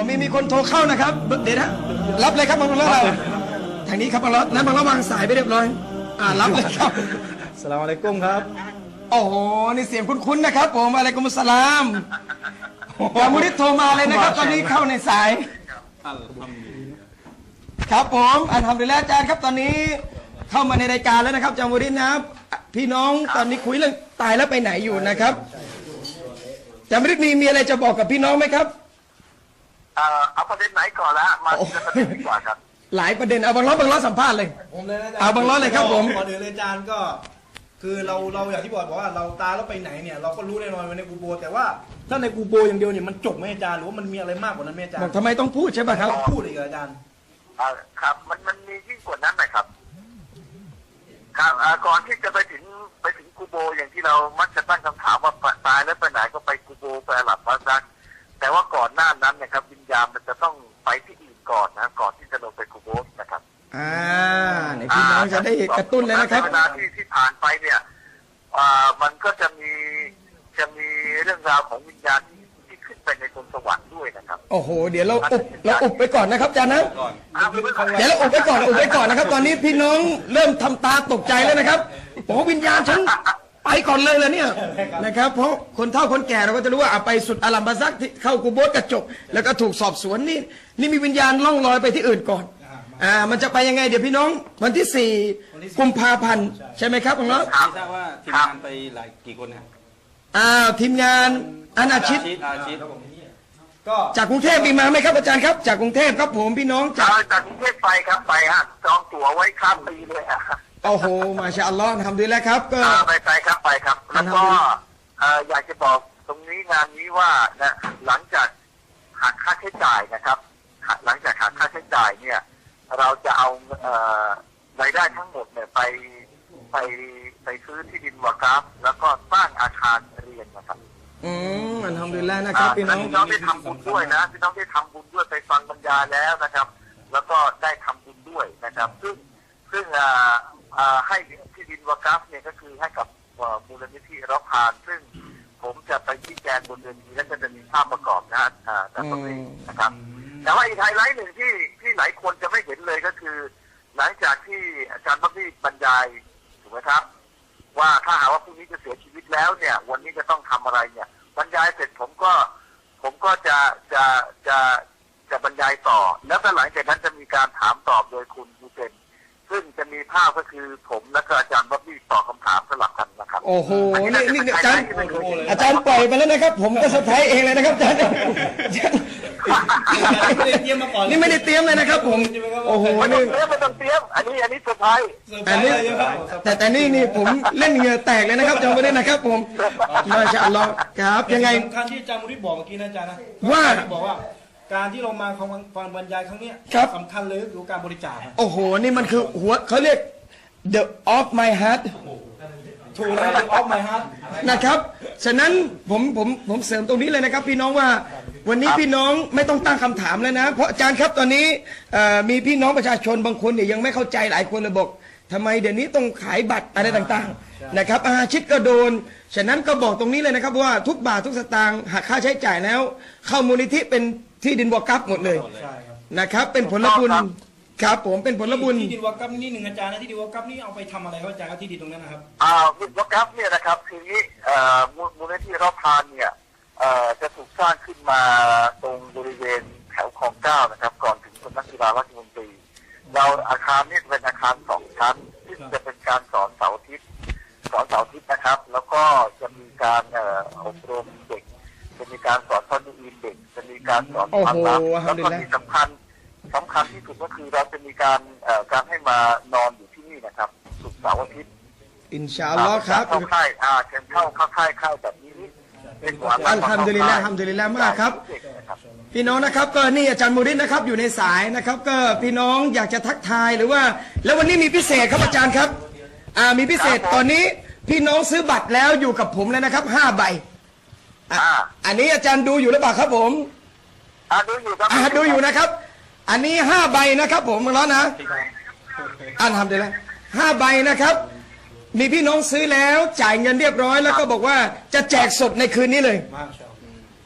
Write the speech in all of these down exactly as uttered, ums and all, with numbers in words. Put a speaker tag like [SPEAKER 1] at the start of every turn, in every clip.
[SPEAKER 1] มีมีคนโทรเข้านะครับเดี๋ยวนะรับเลยครับบังล้อเราทางนี้ครับบังล้อนั้นบังล้อวางสายไปเรียบร้อยอ่ารับเลยครับ
[SPEAKER 2] สลามอะลัยกุมครับ
[SPEAKER 1] โอ้โหนี่เสียงคุ้นๆนะครับผมอะลัยกุมุสสลามจามุริดโทรมาเลยนะครับตอนนี้เข้าในสายครับผมอัลฮัมดุลิลละห์อาจารย์ครับตอนนี้เข้ามาในรายการแล้วนะครับจามุริดนะครับพี่น้องตอนนี้คุยเรื่องตายแล้วไปไหนอยู่นะครับจามุริดมีมีอะไรจะบอกกับพี่น้องไหมครับ
[SPEAKER 3] เอาประเด็นไหนก่อนละมาทีละประเด็นดีกว่าครับ
[SPEAKER 1] หลายประเด็นเอาบังล้อบังล้อสัมภาษณ์เลย
[SPEAKER 2] ผมเลยนะ
[SPEAKER 1] เอาบังล้อเลยครับผม
[SPEAKER 2] ก่อนอื่นเลยอาจารย์ก็คือเราเราอย่างที่บอกบอกว่าเราตายแล้วไปไหนเนี่ยเราก็รู้แน่นอนว่าในกูโบแต่ว่าถ้าในกูโบอย่างเดียวเนี่ยมันจบไหมอาจารย์หรือว่ามันมีอะไรมากกว่านั้นไหมอาจารย์
[SPEAKER 1] ทำไมต้องพูดใช่ป่ะครับ
[SPEAKER 2] พูดอีกอาจารย์
[SPEAKER 3] ครับมันมันมียิ่งกว่านั้นนะครับครับก่อนที่จะไปถึงไปถึงกูโบอย่างที่เรามักจะตั้งคำถามว่าตายแล้วไปไหนก็ไปกูโบไปอาหรับมาซักแต่ว่าก่อนหน้านั้นนะครับวิญญาณมันจะต้องไปที่อื่นก่อนนะก่อนที่จะลงไปกูโบนะครับ
[SPEAKER 1] อ่าในพี่น้องจะได้กระตุ้นเลยนะครับ
[SPEAKER 3] เวลาที่ที่ผ่านไปเนี่ยอ่ามันก็จะมีจะมีเรื่องราวของวิญญาณที่ที่ขึ้นไปในบนสวรรค์ด้วยนะครับ
[SPEAKER 1] โอ้โหเดี๋ยวเราอุบเราอุบไปก่อนนะครับอาจารย์นะเดี๋ยวเราอุบไปก่อนอุบไปก่อนนะครับตอนนี้พี่น้องเริ่มทำตาตกใจแล้วนะครับโอ้วิญญาณฉันไปก่อนเลยเลยเนี่ยนะครับเพราะคนเฒ่าคนแก่เราก็จะรู้ว่าไปสุดอาลัมบาซักที่เข้ากูโบสกระจกแล้วก็ถูกสอบสวนนี่นี่มีวิญญาณล่องลอยไปที่อื่นก่อนอ่ามันจะไปยังไงเดี๋ยวพี่น้องวันที่สี่กุมภาพันธ์ใช่ไหมครับน้อง
[SPEAKER 4] ไม่ทราบว่าทีมงานไปหลายกี่คนครับ
[SPEAKER 1] อ่าทีมงานอาณาชิตก็จากกรุงเทพมีมาไหมครับอาจารย์ครับจากกรุงเทพครับผมพี่น้อง
[SPEAKER 3] จากจากกรุงเทพไปครับไปฮะจองตั๋วไว้ข้ามปีเลยฮะ
[SPEAKER 1] โอ้โหมาชาอัลลอฮ์ทำดีแล้วครับก็
[SPEAKER 3] ไปไปครับไปครับแล้วก็อยากจะบอกตรงนี้งานนี้ว่านะหลังจากหักค่าใช้จ่ายนะครับหลังจากหักค่าใช้จ่ายเนี่ยเราจะเอารายได้ทั้งหมดเนี่ยไปไปไปซื้อที่ดินวะกัฟแล้วก็สร้างอาคารเรียนนะครับ
[SPEAKER 1] อืมอัลฮัมดุลิลละห์นะครับพี่น้อง
[SPEAKER 3] พี่น้องได้ทำบุญด้วยนะพี่น้องได้ทำบุญด้วยไปฟังบรรยายแล้วนะครับแล้วก็ได้ทำบุญด้วยนะครับซึ่งซึ่งให้ที่ดินวะกัฟเนี่ยก็คือให้กับมูลนิธิเราพานซึ่งผมจะไปชี้แจงบนเรือนนี้และจะมีภาพประกอบนะฮะแต่ตรงนี้นะครับแต่ว่าอีกไฮไลท์หนึ่งที่ที่หลายคนจะไม่เห็นเลยก็คือหลังจากที่อาจารย์บัครี่บรรยายถูกไหมครับว่าถ้าหากว่าพรุ่งนี้จะเสียชีวิตแล้วเนี่ยวันนี้จะต้องทำอะไรเนี่ยบรรยายเสร็จผมก็ผมก็จะจะจะจะบรรยายต่อแล้วก็หลังจากนั้นจะมีการถามตอบโดยคุณฮูเซนซึ่งจะมีภาพก็คือผมและก็อาจารย์บัครี่ตอบคำถามสลับกันนะครับ
[SPEAKER 1] โอ้โหนี่นี่อาจารย์อาจารย์ปล่อยไปแล้วนะครับผมก็เซอร์ไพรส์เองเลยนะครับอาจารย์นี่ไม่ได้เตรียมเลยนะครับผมโอ้โห
[SPEAKER 3] นี่ไม่ต้องเตรียมอันนี้อันนี้เซอร์ไพรส์
[SPEAKER 1] อันนี้แต่แต่นี่นี่ผมเล่นเหงื่อแตกเลยนะครับจำไว้ด้วยนะครับผมมาชาอัลลอฮ์ครับยังไง
[SPEAKER 2] การที่อาจารย์มุริบอกเมื่อกี้นะอาจารย์นะ
[SPEAKER 1] ว่า
[SPEAKER 2] บอกว่าการที่เรามาฟังบรรยายครั้งนี้สำคัญเลยก็คือการบริจาค
[SPEAKER 1] โอ้โหนี่มันคือหัวเขาเรียก the of my heart
[SPEAKER 2] ถูกแล้ว the of my heart
[SPEAKER 1] นะครับฉะนั้นผมผมผมเสริมตรงนี้เลยนะครับพี่น้องว่าวันนี้พี่น้องไม่ต้องตั้งคำถามแล้วนะเพราะอาจารย์ครับตอนนี้มีพี่น้องประชาชนบางคนเนี่ยยังไม่เข้าใจหลายคนเลยบอกทำไมเดี๋ยวนี้ต้องขายบัตรอะไรต่างๆนะครับอาชิตก็โดนฉะนั้นก็บอกตรงนี้เลยนะครับว่าทุกบาททุกสตางค์หักค่าใช้จ่ายแล้วเข้ามูลนิธิเป็นที่ดินวะกัฟหมดเลยนะครับเป็นผลบุญครับผมเป็นผลบุญ
[SPEAKER 2] ที่ดินวะกัฟนี่หนึ่งอาจารย์นะที่ดินวะกัฟนี่เอาไปทำอะไรครับอาจารย์ที่ดินตรงนั้นนะครับ
[SPEAKER 3] อ่าวะกัฟเนี่ยนะครับคือนี้มูลนิธิเราพานเนี่ยจะถูกสร้างขึ้นมาตรงบริเวณแถวคลองเก้านะครับก่อนถึงสำนักกีฬาราชมนตรีเราอาคารนี้เป็นอาคารสองชั้นที่จะเป็นการสอนเสาร์อาทิตย์สอนเสาร์อาทิตย์นะครับแล้วก็จะมีการอบรมเด็กจะมีการสอนทอดูอินเด็กจะมีการสอนความรักแล้วก็ที่สำคัญสำคัญที่สุดก็คือเราจะมีการการให้มานอนอยู่ที่นี่นะครับศุกร์เสาร์อาทิตย์
[SPEAKER 1] อินชาอัลลอฮ์ครับ
[SPEAKER 3] เข้าค่ายอ่าเชิญเข้าเข้าค่ายเข้าแบบนี้
[SPEAKER 1] อัลฮัมดุลิลละห์อัลฮัมดุลิลละห์มากครับพี่น้องนะครับก็นี่อาจารย์มูริดนะครับอยู่ในสายนะครับก็พี่น้องอยากจะทักทายหรือว่าแล้ววันนี้มีพิเศษครับอาจารย์ครับอ่ามีพิเศษตอนนี้พี่น้องซื้อบัตรแล้วอยู่กับผมแล้วนะครับห้าใบอันนี้อาจารย์ดูอยู่หรือเปล่าครับผม
[SPEAKER 3] อ่าดูอยู่ครับ
[SPEAKER 1] อ่าดูอยู่นะครับอันนี้ห้าใบนะครับผมมาแล้วนะอัลฮัมดุลิลละห์ห้าใบนะครับมีพี่น้องซื้อแล้วจ่ายเงินเรียบร้อยแล้วก็บอกว่าจะแจกสดในคืนนี้เลย
[SPEAKER 3] อ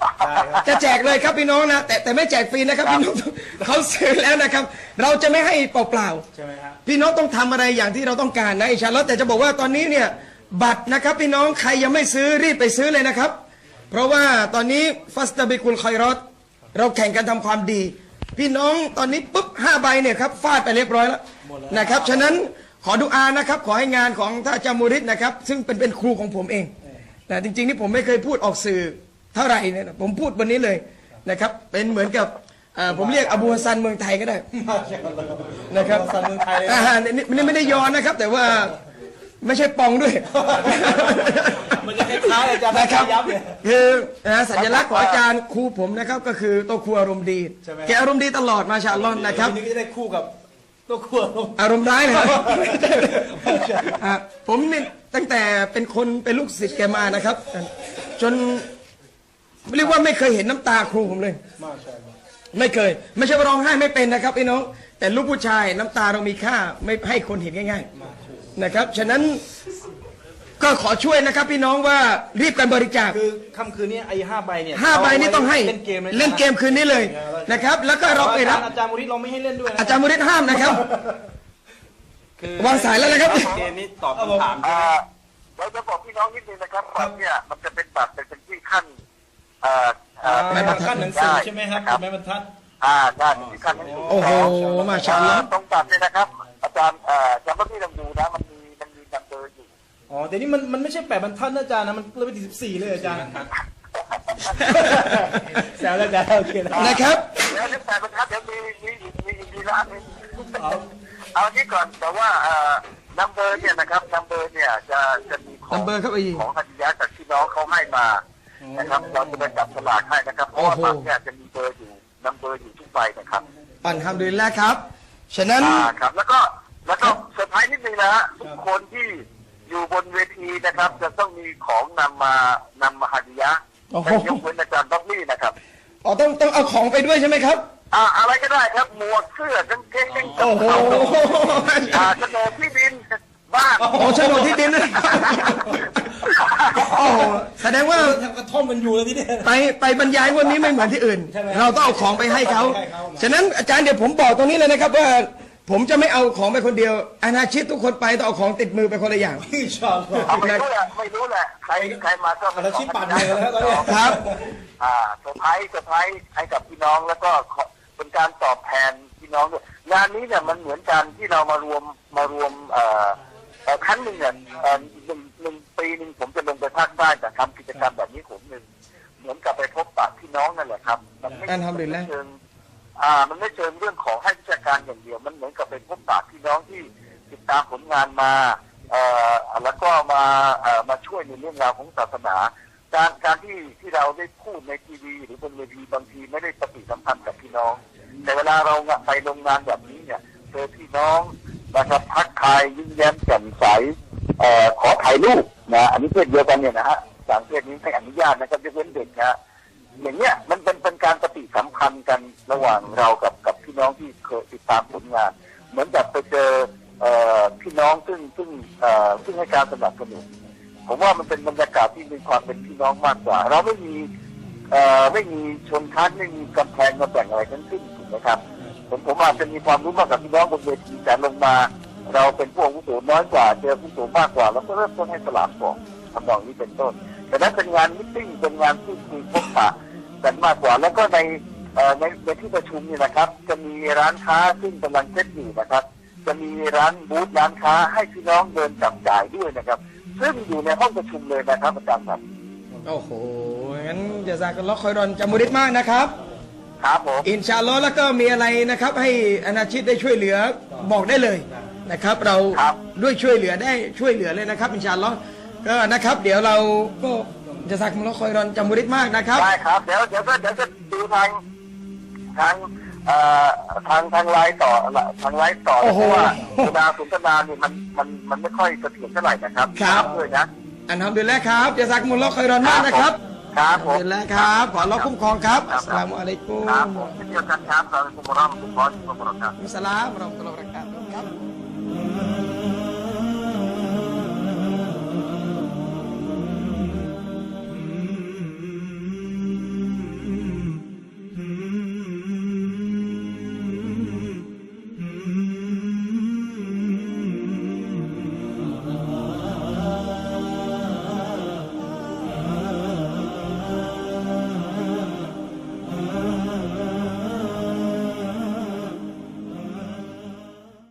[SPEAKER 2] ได้ครับ
[SPEAKER 1] จะแจกเลยครับพี่น้องนะแต่แต่ไม่แจกฟรีนะครับพี่น้องเขาซื้อแล้วนะครับ เราจะไม่ให้เปล่าๆ
[SPEAKER 2] ใช่ไหมฮะ
[SPEAKER 1] พี่น้องต้องทำอะไรอย่างที่เราต้องการนะอินชาอัลลอฮ์แต่จะบอกว่าตอนนี้เนี่ยบัตรนะครับพี่น้องใครยังไม่ซื้อรีบไปซื้อเลยนะครับ เพราะว่าตอนนี้ฟัสตาบิกุลคอยรอดเราแข่งกันทำความดี พี่น้องตอนนี้ปุ๊บห้าใบเนี่ยครับฟาดไปเรียบร้อยแล้วนะครับฉะนั้นขอดุอานะครับขอให้งานของท่านอาจารย์มูริดนะครับซึ่งเป็นเป็นครูของผมเองแต่จริงๆนี่ผมไม่เคยพูดออกสื่อเท่าไหร่เนี่ยนะผมพูดวันนี้เลยนะครับเป็นเหมือนกับเอ่อผมเรียกอบูฮัสซันเมืองไทยก็ได้ นะครับ
[SPEAKER 2] อบูฮัสซันเมืองไทยเลยนะ
[SPEAKER 1] อ่านี่นี่ไม่ได้ย้อนนะครับ แต่ว่าไม่ใช่ปองด้วย
[SPEAKER 2] มันจะคล้ายๆอาจารย์
[SPEAKER 1] นะครับ
[SPEAKER 2] ยับเลย
[SPEAKER 1] คือนะสัญลักษณ์ของอาจารย์ครูผมนะครับก็คือตัวครูอารมณ์ดี
[SPEAKER 2] ใช่ไหม
[SPEAKER 1] แกอารมณ์ดีตลอดมาชาอัลลอฮ์นะครับ
[SPEAKER 2] ทีนี้ก็จะได้คู่กับตัวคู่ลง
[SPEAKER 1] อารมณ์ร้ายเลยอ่ะผมนี่ตั้งแต่เป็นคนเป็นลูกศิษย์แกมานะครับ จนเรียกว่าไม่เคยเห็นน้ำตาครูผมเลย
[SPEAKER 2] มาใช่ไหม
[SPEAKER 1] ไม่เคย ไม่ใช่ว่าร้องไห้ไม่เป็นนะครับพี่น้อง แต่ลูกผู้ชายน้ำตาเรามีค่าไม่ให้คนเห็นง่ายๆนะครับฉะนั้นก็ขอช่วยนะครับพี่น้องว่ารีบกันบริจาค
[SPEAKER 2] คือค่ำคืนนี้ไอ้ห้าใบเนี่ย
[SPEAKER 1] ห้าใบนี่ต้องให้
[SPEAKER 2] เล่นเกมเลยนะ
[SPEAKER 1] เล่นเกมคืนนี้เลยนะครับ แล้วก็เราไปรับ
[SPEAKER 2] อาจารย์มูริดเราไม่ให้เล่นด้วยนะ
[SPEAKER 1] อาจารย์มุริดห้ามนะครับ
[SPEAKER 4] คือ
[SPEAKER 1] วางสายแล้วนะครับ
[SPEAKER 4] เกมนี้ตอบคำถามใช่
[SPEAKER 3] อ่า
[SPEAKER 4] ไหม
[SPEAKER 3] เราจะบอกพี่น้องนิดนึงนะครับบัตรเนี่ยมันจะเป็นบัตรเป็นที่ขั้นเอ่อเอ่อ
[SPEAKER 1] ไม่บรรทัด
[SPEAKER 2] ขั้นหนังสือใช่ไหมครับเป็นไม้บรรทัด
[SPEAKER 3] อ่าได้เป็นที่ขั้นหนังสือ
[SPEAKER 1] โอ้โหมาชาอัลลอฮ์
[SPEAKER 3] ตรงบัตรเนี่ยนะครับ อาจารย์เอ่อจำว่าพี่ลองดูนะมันมีมันมีนัมเบอร์อยู่
[SPEAKER 2] อ๋อแต่นี่มันมันไม่ใช่แปดบรรทัดนะอาจารย์นะมันเลยไปถึงสิบสี่เลยอาจารย์แซวแล้วอาจารย์โอเคนะ
[SPEAKER 1] นะครับ
[SPEAKER 3] เดี๋ยวเรื่องแต่บรรทัดเดี๋ยวมีมีมีมีมีร้านหนึง
[SPEAKER 2] เอา
[SPEAKER 3] เอาอันนี้ก่อนแต่ว่าเอ่อนัมเบอร์เนี่ยนะครับนัมเบอร์เนี่ยจะจะมีของ
[SPEAKER 1] number ครับอีก
[SPEAKER 3] ของฮัตยะจากที่น้องเขาให้มานะครับเราจะไปจับสลากให้นะครับเพราะว่า
[SPEAKER 1] โอ้โห
[SPEAKER 3] บัตรเนี่ยจะมีเบอร์อยู่นัมเบอร์อยู่ทุกใบนะครับ
[SPEAKER 1] อัลฮัมดุลิลละห์ครับ ฉะนั้น
[SPEAKER 3] อ่าครับแล้วก็แล้วก็เซอร์ไพรส์นิดนึงนะฮะทุกคนที่อยู่บนเวทีนะครับ จะต้องมีของนำมานำมาฮัตยะ
[SPEAKER 1] โอ้โห
[SPEAKER 3] แต่ยกเว้นอาจารย์ด็อกลี่นะครับ
[SPEAKER 1] อ๋อต้องต้องเอาของไปด้วยใช่ไหมครับ
[SPEAKER 3] อ่าอะไรก็ได้ครับหมวกเสื้อกางเกงกางเก
[SPEAKER 1] โอ้
[SPEAKER 3] ง
[SPEAKER 1] โห
[SPEAKER 3] อ่าโฉนดที่ดินบ้าน
[SPEAKER 1] โอ้โฉนดที่ดินนะโอ้โหแสดงว่า
[SPEAKER 2] ทำกระท่อมมันอยู่แล้วที่เนี่ย
[SPEAKER 1] ไปไปบรรยายวันนี้ไม่เหมือนที่อื่น
[SPEAKER 2] ใช่ไหม
[SPEAKER 1] เราต้องเอาของไปให้เขา
[SPEAKER 2] ให้เขา
[SPEAKER 1] ฉะนั้นอาจารย์เดี๋ยวผมบอกตรงนี้เลยนะครับว่าผมจะไม่เอาของไปคนเดียวอาณาชิตทุกคนไปต้องเอาของติดมือไปคนละอย่าง
[SPEAKER 2] อินชาอัลลอฮ์
[SPEAKER 3] เอาไม่รู้แหละไม่รู้แหละใครใครมาก็
[SPEAKER 2] อาชีพปั่นเลยแล้วตอนนี้
[SPEAKER 1] ครับ
[SPEAKER 3] อ่าเซอร์ไพรส์เซอร์ไพรส์ให้กับพี่น้องแล้วก็ขอเป็นการตอบแทนพี่น้องด้วยงานนี้เนี่ยมันเหมือนกันที่เรามารวมมารวมเอ่อเอ่อครั้งหนึ่งเนี่ยเอ่อหนึ่งหนึ่งปีหนึ่งผมจะลงไปภาคใต้แต่ทำกิจกรรมแบบนี้ผมหนึ่งเหมือนกับไปพบปะพี่น้องนั่นแหละครับมันไม่
[SPEAKER 1] อัลฮัมดุลิลละห์
[SPEAKER 3] เชิงอ่ามันไม่เชิงเรื่องของให้วิชาการอย่างเดียว มันเหมือนกับไปพบปะพี่น้องที่ติดตามผลงานมาเอ่อแล้วก็มาเอ่อมาช่วยในเรื่องราวของศาสนา การการที่ที่เราได้พูดในทีวีหรือบนเวทีบางทีไม่ได้ปฏิสัมพันธ์กับพี่น้อง แต่เวลาเราไปโรงงานแบบนี้เนี่ยเจอพี่น้องนะครับทักทายยิ้มแย้มแจ่มใสเอ่อขอถ่ายรูปนะอันนี้เพศเดียวกันเนี่ยนะฮะต่างเพศนี้ไม่อนุญาตนะครับยกเว้นเด็กนะฮะอย่างเนี้ยมันเป็นเป็นการปฏิสัมพันธ์กันระหว่างเรากับกับพี่น้องที่เคยติดตามผลงาน เหมือนกับไปเจอเอ่อพี่น้องซึ่งซึ่งเอ่อซึ่งให้การสนับสนุนผมว่ามันเป็นบรรยากาศที่มีความเป็นพี่น้องมากกว่า เราไม่มีเอ่อไม่มีชนชั้นไม่มีกำแพงมาแบ่งอะไรทั้งสิ้นถูกไหมครับผมผมอาจจะมีความรู้มากกับพี่น้องบนเวทีแต่ลงมา เราเป็นผู้อาวุโสน้อยกว่าเจอผู้อาวุโสมากกว่าแล้วก็เริ่มต้นให้สลากก่อนทำนองนี้เป็นต้นแต่นั้นเป็นงานมิทติ้งเป็นงานพูดคุยพบปะกันมากกว่า แล้วก็ในเอ่อในในที่ประชุมเนี่ยนะครับ จะมีร้านค้าซึ่งกำลังเซ็ตอยู่นะครับ จะมีร้านบูธร้านค้าให้พี่น้องเดินจับจ่ายด้วยนะครับ ซึ่งอยู่ในห้องประชุมเลยนะครับอาจารย์ครับ
[SPEAKER 1] โอ้โหงั้นจะซากันล็อกคอยรอนจามุริดมากนะครับ
[SPEAKER 3] ครับผม
[SPEAKER 1] อินชาอัลลอฮ์แล้วก็มีอะไรนะครับ ให้อาณาชิตได้ช่วยเหลือบอกได้เลยนะครับ เราด้วยช่วยเหลือได้ช่วยเหลือเลยนะครับอินชาอัลลอฮ์ก็นะครับ เดี๋ยวเราก็จะซักมุลลอฮ์คอยรอนจามุริดมากนะครับ
[SPEAKER 3] ได้ครับเดี๋ยวเดี๋ยวก็เดี๋ยวจะดูทางทางเอ่อทางทางไลน์ต่อทางไลน์ต่อ
[SPEAKER 1] โอ้โห
[SPEAKER 3] เพราะว่าเวลาสนทนาเนี่ยมันมันมันไม่ค่อยเสถียรเท่าไหร่นะครับ
[SPEAKER 1] ครับ
[SPEAKER 3] ด้วยนะ
[SPEAKER 1] อันทำดีแล้วครับจะซักมุลลอฮ์คอยรอนมากนะครับ
[SPEAKER 3] ครับผม
[SPEAKER 1] อันทำดีแล้วครับขออัลลอฮ์คุ้มครองครับอัสสลามุอะลัยกุม
[SPEAKER 3] ครับผมเช่นเดียวกันครับเราเป็นมุสลิมมุสลิมมุสลิม
[SPEAKER 1] อัสสลามุอะลัยกุม